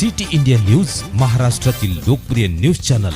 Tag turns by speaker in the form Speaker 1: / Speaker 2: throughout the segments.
Speaker 1: City India news, महाराष्ट्रातील लोकप्रिय news channel.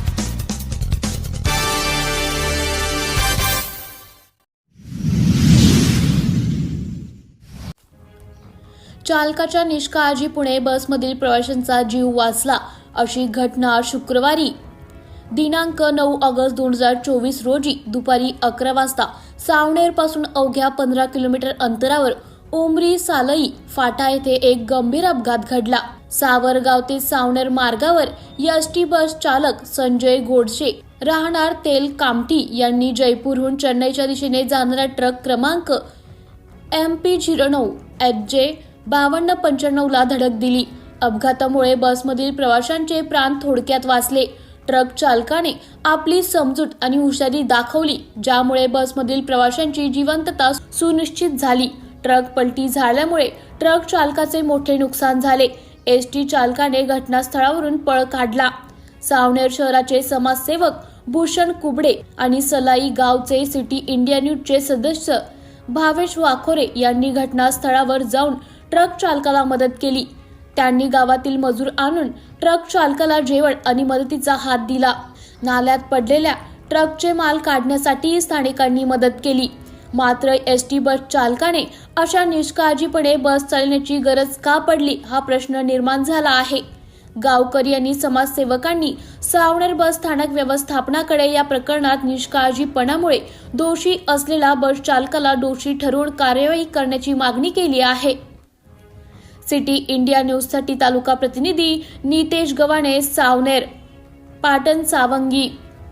Speaker 2: चालकाच्या निष्काळजीपणे बसमधील प्रवाशांचा जीव वाचला अशी घटना शुक्रवारी दिनांक 9 ऑगस्ट 2024 रोजी दुपारी 11 वाजता सावनेर पासून अवघ्या 15 किलोमीटर अंतरावर उमरी सालई फाटा येथे एक गंभीर अपघात घडला। सावरगाव ते सावनेर मार्गावर एसटी बस चालक संजय गोडसे राहणार तेल कामठी यांनी जयपूरहून चेन्नईच्या दिशेने जाणारा ट्रक क्रमांक MP09 HJ 5295 ला धडक दिली। अपघातामुळे बसमधील प्रवाशांचे प्राण थोडक्यात वाचले। ट्रक चालकाने आपली समजूत आणि हुशारी दाखवली, ज्यामुळे बसमधील प्रवाशांची जिवंतता सुनिश्चित झाली। ट्रक पलटी झाल्यामुळे ट्रक चालकाचे मोठे नुकसान झाले। एसटी चालकाने घटनास्थळावरून पळ काढला। सावनेर शहराचे समाजसेवक भूषण कुबडे आणि सलाई गावचे सिटी इंडिया न्यूजचे सदस्य भावेश वाखोरे यांनी घटनास्थळावर जाऊन ट्रक चालकाला मदत केली। त्यांनी गावातील मजूर आणून ट्रक चालकाला जेवण आणि मदतीचा हात दिला। नाल्यात पडलेल्या ट्रकचे माल काढण्यासाठी स्थानिकांनी मदत केली। मात्र एसटी बस चालकाने अशा निष्काळजीपणे बस चालवण्याची गरज का पडली हा प्रश्न निर्माण झाला आहे। गावकरी आणि समाजसेवकांनी सावनेर बस स्थानक व्यवस्थापनाकडे या प्रकरणात निष्काळजीपणामुळे दोषी असलेल्या बस चालकाला दोषी ठरवून कार्यवाही करण्याची मागणी केली आहे। सिटी इंडिया न्यूज साठी तालुका प्रतिनिधी नितेश गव्हाणे, सावनेर, पाटण सावंगी।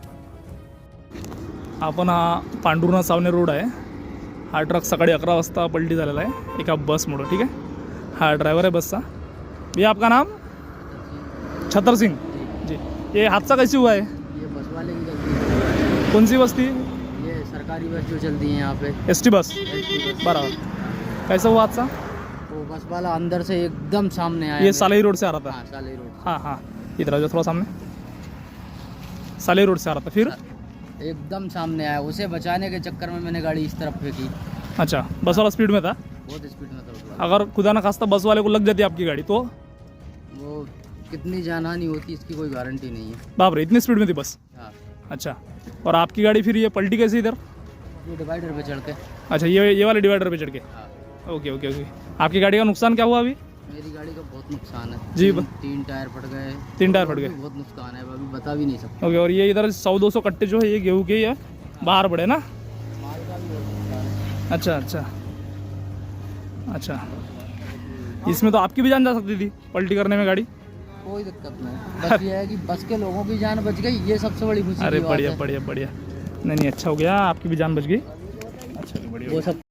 Speaker 3: आपण हा पांडुर्णा सावनेर रोड आहे। हा ट्रक सकाळी 11 वाजता पलटी झालेला आहे एका बसमुळे। ठीक आहे, हा ड्राइवर है बस का। भैया आपका नाम? छतर सिंह जी। ये हादसा कैसे हुआ है?
Speaker 4: ये बस वाले की गलती है।
Speaker 3: कौन सी बस थी?
Speaker 4: ये सरकारी बस जो चलती है यहाँ पे,
Speaker 3: एसटी बस। बराबर। कैसा हुआ हादसा?
Speaker 4: वो बस वाला अंदर से एकदम सामने आया।
Speaker 3: ये सालई रोड से आ रहा था।
Speaker 4: हाँ, सालई रोड।
Speaker 3: हाँ हाँ, इधर आ जाओ थोड़ा सामने। सालई रोड से आ रहा था, फिर?
Speaker 4: एकदम सामने आया। उसे बचाने के चक्कर में मैंने गाड़ी इस तरफ फेंकी।
Speaker 3: अच्छा, बस वाला स्पीड में था?
Speaker 4: बहुत स्पीड में था बस वाला।
Speaker 3: अगर खुदा ना खास्ता बस वाले को लग जाती आपकी गाड़ी तो?
Speaker 4: वो कितनी जानहानि होती इसकी कोई गारंटी नहीं है।
Speaker 3: बाप रे, इतनी स्पीड में थी बस?
Speaker 4: हाँ,
Speaker 3: अच्छा, और आपकी गाड़ी फिर ये पलटी कैसे इधर?
Speaker 4: ये डिवाइडर पे चढ़ के।
Speaker 3: अच्छा, ये वाले डिवाइडर पे चढ़ के।
Speaker 4: हाँ।
Speaker 3: Okay okay okay. आपकी गाड़ी का नुकसान क्या हुआ अभी?
Speaker 4: मेरी गाड़ी का बहुत नुकसान है
Speaker 3: जी।
Speaker 4: तीन टायर फट गए।
Speaker 3: 3 टायर फट गए।
Speaker 4: बहुत नुकसान है, अभी बता भी नहीं सकता।
Speaker 3: ओके, और ये इधर 100-200 कट्टे जो है ये गेहूं के ही है, बाहर पड़े ना?
Speaker 4: माल का भी बहुत नुकसान है।
Speaker 3: अच्छा अच्छा अच्छा। इसमें तो आपकी भी जान जा सकती थी पलटी करने में गाड़ी।
Speaker 4: कोई दिक्कत नहीं, बस ये है कि बस के लोगों की जान बच गई, ये सबसे बड़ी खुशी
Speaker 3: अरे
Speaker 4: की बात
Speaker 3: बढ़िया
Speaker 4: है।
Speaker 3: बढ़िया बढ़िया। नहीं नहीं, अच्छा हो गया, आपकी भी जान बच गई। अच्छा बढ़िया।
Speaker 4: वो सब